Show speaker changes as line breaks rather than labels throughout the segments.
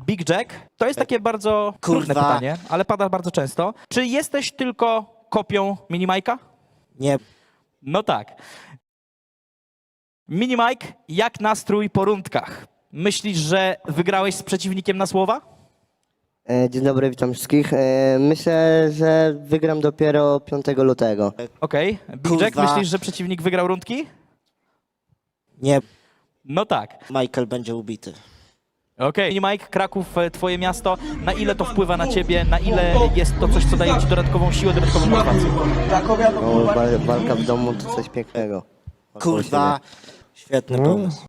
Big Jack, to jest takie bardzo trudne
Kurwa.
pytanie, ale pada bardzo często. Czy jesteś tylko kopią Mini Majka?
Nie,
No tak. Mini Mike, jak nastrój po rundkach? Myślisz, że wygrałeś z przeciwnikiem na słowa?
Dzień dobry, witam wszystkich. Myślę, że wygram dopiero 5 lutego.
Okej. Big Jack,
Kurwa.
myślisz, że przeciwnik wygrał rundki?
nie,
No tak.
Michael będzie ubity.
Okej. Mini Mike, Kraków, twoje miasto. Na ile to wpływa na ciebie? Na ile jest to coś, co daje ci dodatkową siłę, dodatkową motywację?
No, walka w domu to coś pięknego.
Kurwa, świetny pomysł.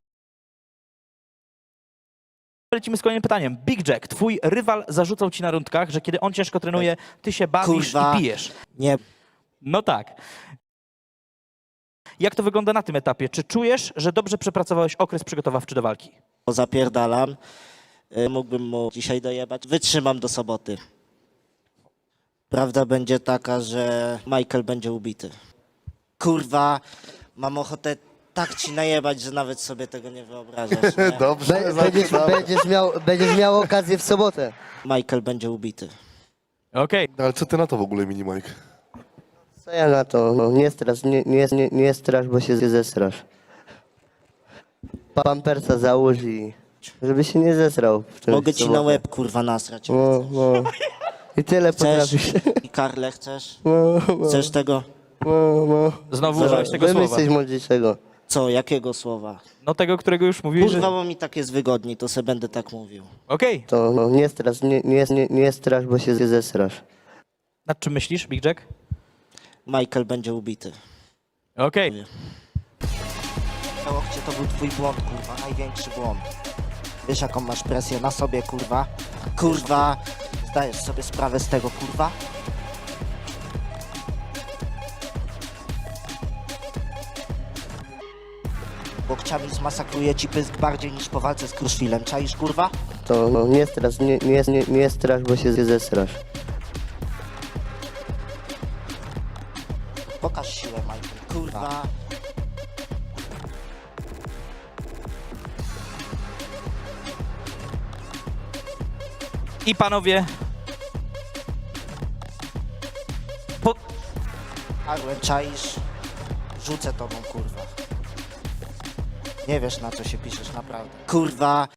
Lecimy z kolejnym pytaniem. Big Jack, twój rywal zarzucał ci na rundkach, że kiedy on ciężko trenuje, ty się bawisz
Kurwa.
i pijesz.
Nie,
No tak. Jak to wygląda na tym etapie? Czy czujesz, że dobrze przepracowałeś okres przygotowawczy do walki?
bo zapierdalam. Mógłbym mu dzisiaj dojebać. Wytrzymam do soboty. Prawda będzie taka, że Michael będzie ubity. Kurwa, mam ochotę tak ci najebać, że nawet sobie tego nie wyobrażasz. Nie?
Dobrze,
Będziesz miał okazję w sobotę.
Michael będzie ubity.
Okej.
No, ale co ty na to w ogóle, Mini Mike?
Co ja na to? No, nie strasz, bo się zestrasz. Pampersa załóż i żeby się nie zesrał. W tym
Mogę ci na
sobotę.
łeb, kurwa, nasrać.
No, no. I tyle
Chcesz?
potrafisz.
I Karle chcesz?
No,
Chcesz tego?
no.
Znowu użyłeś tego
Wymyśl
słowa.
coś mądrzejszego.
Co, jakiego słowa?
No tego, którego już mówiłeś,
Kurwa,
że...
bo mi tak jest wygodniej, to se będę tak mówił.
Okej.
To no, nie strasz, bo się zestrasz.
Nad czym myślisz, Big Jack?
Michael będzie ubity.
Okej.
Na łokcie to był twój błąd, kurwa, największy błąd. Wiesz, jaką masz presję na sobie, kurwa? Kurwa, zdajesz sobie sprawę z tego, kurwa? Łokciami zmasakruje ci pysk bardziej niż po walce z Kruszwilem, czaisz, kurwa?
To no, nie strasz, bo się zestrasz.
Pokaż siłę, Michael, kurwa.
I panowie... Po...
Arlen, czaisz? Rzucę tobą, kurwa. Nie wiesz, na co się piszesz, naprawdę. Kurwa.